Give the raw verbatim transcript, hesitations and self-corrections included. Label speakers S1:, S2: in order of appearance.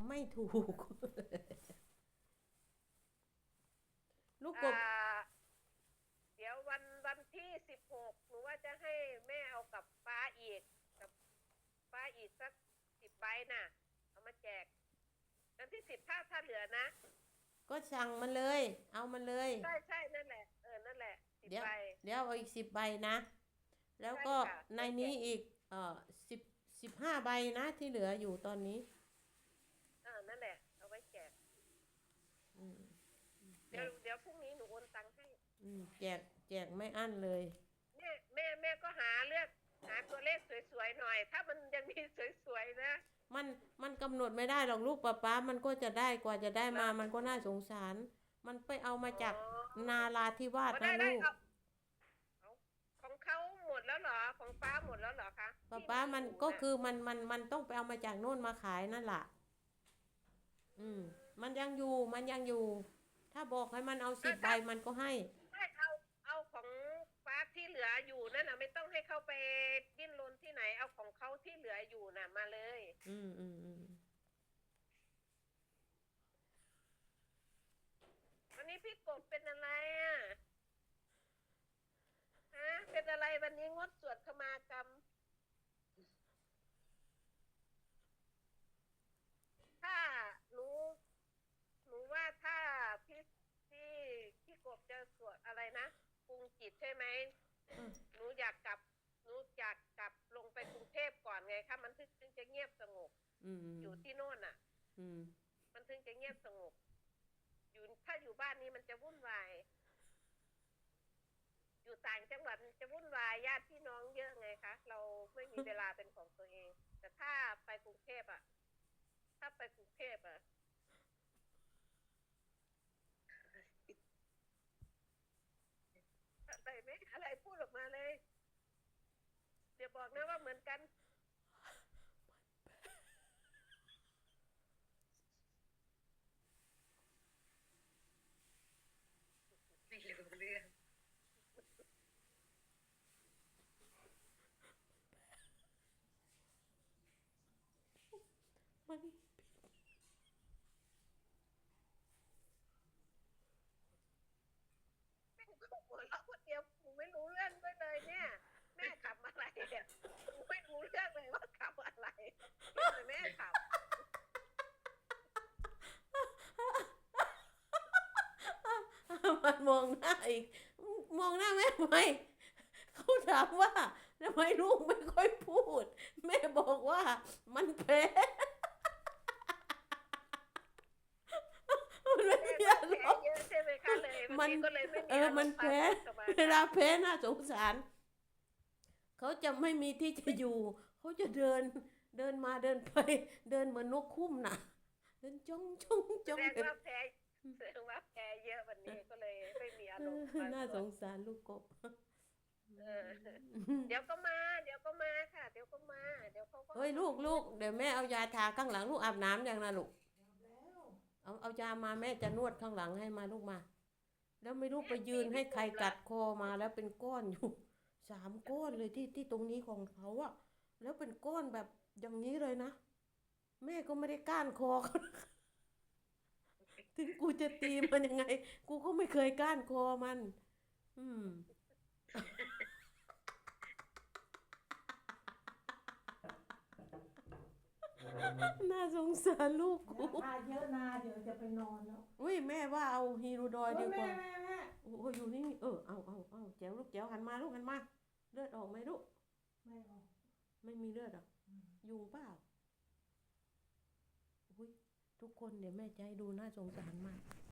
S1: ไม่ถูกลูกก
S2: อ่
S1: บ
S2: าเดี๋ยววันวันที่สิบหกหนูว่าจะให้แม่เอากับป้าอีกกับป้าอีกสักสิบใบน่ะเอามาแจกวันที่สิบถ้าถ้าเหลือนะ
S1: ก็สั่งมันเลย เอามันเลย
S2: ใช่ใช่นั่นแหละเออนั่นแหละสิบ
S1: เดี๋ยว
S2: ใบ
S1: เดี๋ยวเอาอีกสิบใบนะ แล้ว
S2: ใช่
S1: ก็
S2: ค่ะ
S1: ใน
S2: ไปแจก
S1: นี้อีกเอ่อสิบสิบห้าใบนะที่เหลืออยู่ตอนนี้
S2: เออนั่นแหละเอาไว้แจก
S1: อืมแจ
S2: เดี๋ยว
S1: ก
S2: เดี๋ยวพรุ่งนี้หนูโอนตังค์ให้
S1: อืมแจกแจกไม่อั้นเลย
S2: แม่แม่แม่ก็หาเลือกหาตัวเลขสวยๆหน่อยถ้ามันยังมีสวยๆนะ
S1: มันมันกำหนดไม่ได้หรอกลูกป๊าป๊ามันก็จะได้กว่าจะได้มา
S2: แล้ว
S1: มันก็น่าสงสาร มันไปเอามา
S2: อ๋
S1: จาก
S2: อ
S1: นาราธิวาส
S2: ก็
S1: นะลูก
S2: ได้ได้เอาเอาของเขาหมดแล้วเหรอของป้าหมดแล้วเหรอคะ
S1: ป๊า
S2: ที่
S1: ป๊ามัน
S2: มีอยู่น่ะ
S1: ก็คือมันมันมันต้องไปเอามาจากโน่นมาขายนั่นแหละอืมมันยังอยู่มันยังอยู่ ถ้าบอกให้มันเอาสิบใบ
S2: อ่ะถ้า
S1: มันก็ให้
S2: ไม่เอาเอาของป้าที่เหลืออยู่นั่นน่ะไม่ต้องให้เขาไปดิ้นรนที่ไหนเอาของเขาที่เหลืออยู่น่ะมาเลย
S1: อืมอืมอืม
S2: วันนี้พี่กบเป็นอะไรอ่ะฮะเป็นอะไรวันนี้งดสวดขมากรรมถ้าหนูหนูว่าถ้าพี่พี่พี่กบจะสวดอะไรนะปรุงจิตใช่ไหม
S1: อืม
S2: หนูอยากกลับหนูอยากกลับลงไปกรุงเทพก่อนไงคะมันถึงจะเงียบสงบ
S1: อืม
S2: อยู่ที่โน่นอ่ะ
S1: อืม
S2: มันถึงจะเงียบสงบอยู่ถ้าอยู่บ้านนี้มันจะวุ่นวายอยู่ต่างจังหวัดมันจะวุ่นวายญาติพี่น้องเยอะไงคะเราไม่มีเวลาเป็นของตัวเองแต่ถ้าไปกรุงเทพอ่ะถ้าไปกรุงเทพอ่ะอะไรไหมอะไรพูดออกมาเลยเดี๋ยวบอกนะว่าเหมือนกัน
S3: ไม่รู้เรื่อง
S1: มัน
S2: แม่ก็หัวเราะคนเดียวกูไม่รู้เรื่องด้วยเลยเนี่ยแม่ขับอะไรอ่ะกูไม่รู้เรื่องเลยว่าขับอะไรแต่แม่ขับ
S1: มันมองหน้าอีกมองหน้าแม่ทำไมเขาถามว่าทำไมลูกไม่ค่อยพูดแม่บอกว่ามันแพ้มันไม่
S2: แม่
S1: มี
S2: ก็แพ้
S1: อารมณ์
S2: เยอะใช่ไหมคะเลยบาง
S1: มัน
S2: ทีก็เลยไม่
S1: เอ
S2: มีอาร
S1: อมันแพ้
S2: มณ์พาสวดสมา
S1: เว
S2: กรรม
S1: ลาแพ้น่าสงสารเขาจะไม่มีที่จะอยู่เขาจะเดินเดินมาเดินไปเดินเหมือนนกคุ้มน่ะเดินจ้องจ้อง
S2: แส
S1: จ้องแบบ
S2: ดงว่าแพ้แสดงว่าแพ้เยอะวันนี้ก็เลยไม่มีอา
S1: เอ
S2: รมณ์พา
S1: อน่า
S2: สวด
S1: สงสารลูกกบ
S2: เออเดี๋ยวก็มาเดี๋ยวก็มาค่ะ เดี๋ยวก็มาเดี๋ยวเขาก็
S1: เฮ้ยลูกลูกเดี๋ยวแม่เอายาทาข้างหลังลูกอาบน้ำยังนะลูกเอาเอายามาแม่จะนวดข้างหลังให้มาลูกมาแล้วไม่รู้ไป
S2: แม่
S1: ยื
S2: ตี
S1: นให้ใคร
S2: พี่กบเหรอ
S1: กัดคอมาแล้วเป็นก้อนอยู่สามก้อนเลยที่ที่ตรงนี้ของเขาอะแล้วเป็นก้อนแบบอย่างนี้เลยนะแม่ก็ไม่ได้ก้านคอเขาถึงกูจะตีมันยังไงกูก็ไม่เคยก้านคอมันอืมน่าสงสารลูกกู
S4: อย่าทาเยอะนาเดี๋ยวจะไปนอนแล้ว
S1: อุ้ยแม่ว่าเอาฮีโรดอย
S4: โอ้ยแม่
S1: ดีกว่า
S4: แม่แม่
S1: โอ้ยอยู่นี่เออเอาเอาเอาแจ๋วลูกแจ๋วหันมาลูกหันมาเลือดออกไหมลูก
S4: ไม่ออก
S1: ไม่มีเลือดอ่ะ
S4: อืม
S1: ยุงเปล่าอุ้ยทุกคนเดี๋ยวแม่จะให้ดูน่าสงสารมาก